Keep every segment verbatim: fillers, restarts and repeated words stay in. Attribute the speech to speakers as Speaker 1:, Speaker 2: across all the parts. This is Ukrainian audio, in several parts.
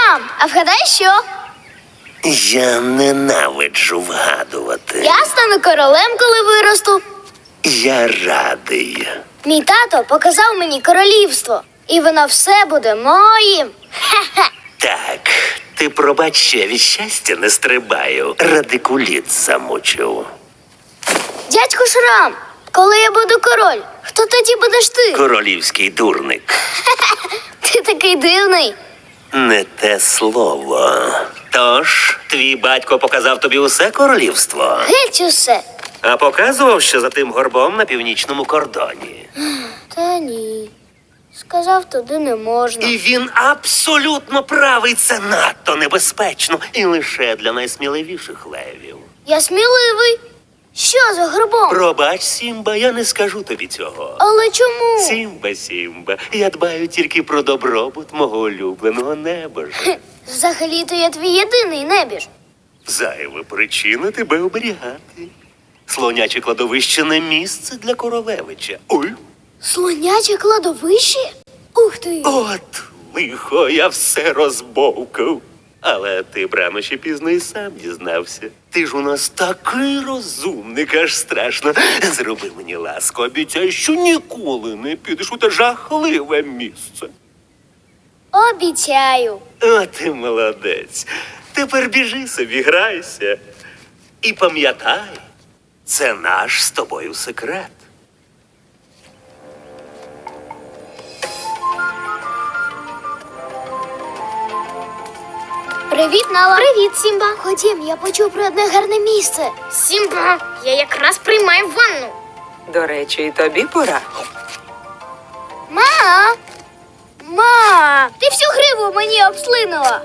Speaker 1: Мам, а вгадай що?
Speaker 2: Я ненавиджу вгадувати.
Speaker 1: Я стану королем, коли виросту.
Speaker 2: Я радий.
Speaker 1: Мій тато показав мені королівство, і воно все буде моїм. Хе-хе.
Speaker 2: Так, ти пробач, що я від щастя не стрибаю. Радикуліт замучив.
Speaker 1: Дядько Шрам, коли я буду король, хто тоді будеш ти?
Speaker 2: Королівський дурник.
Speaker 1: Ти такий дивний.
Speaker 2: Не те слово. Тож, твій батько показав тобі усе королівство,
Speaker 1: Геть усе.
Speaker 2: а показував, що за тим горбом на північному кордоні.
Speaker 1: Та ні. Сказав, туди не можна.
Speaker 2: І він абсолютно правий. Це надто небезпечно. І лише для найсміливіших левів.
Speaker 1: Я сміливий. Що за грибом?
Speaker 2: Пробач, Сімба, я не скажу тобі цього.
Speaker 1: Але чому?
Speaker 2: Сімба, Сімба, я дбаю тільки про добробут мого улюбленого небожа.
Speaker 1: Хе, Взагалі-то я твій єдиний небіж.
Speaker 2: Зайва причина тебе оберігати. Слоняче кладовище не місце для королевича. Ой,
Speaker 1: Слоняче кладовище? Ух ти!
Speaker 2: от лихо, я все розбовкав. Але ти б рано чи пізно і сам дізнався. Ти ж у нас такий розумник, аж страшно. Зроби мені ласку, обіцяй, що ніколи не підеш у те жахливе місце.
Speaker 1: Обіцяю.
Speaker 2: О, ти молодець. Тепер біжи собі, грайся. І пам'ятай, це наш з тобою секрет.
Speaker 1: Привіт, Нала. Привіт, Сімба. Ходім, я почув про одне гарне місце.
Speaker 3: Сімба, я якраз приймаю ванну.
Speaker 4: До речі, і тобі пора.
Speaker 1: Ма! Ма! Ти всю гриву мені обслинула.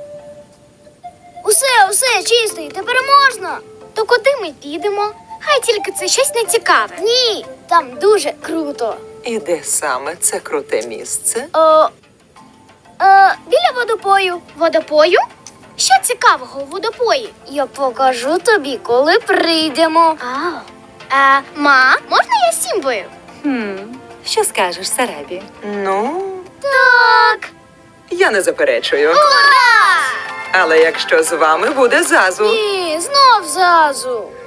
Speaker 1: Усе, усе, чистий, тепер можна.
Speaker 3: То куди ми підемо? Хай тільки це щось нецікаве.
Speaker 1: Ні, там дуже круто.
Speaker 4: І де саме це круте місце?
Speaker 1: О, е, біля водопою.
Speaker 3: Водопою? Що цікавого у водопої?
Speaker 1: Я покажу тобі, коли прийдемо.
Speaker 3: А, а ма, можна я з Сімбою?
Speaker 5: Хм, що скажеш, Сарабі?
Speaker 4: Ну,
Speaker 1: Так.
Speaker 4: я не заперечую.
Speaker 1: Ура!
Speaker 4: Але якщо з вами буде Зазу.
Speaker 1: Ні, знов зазу.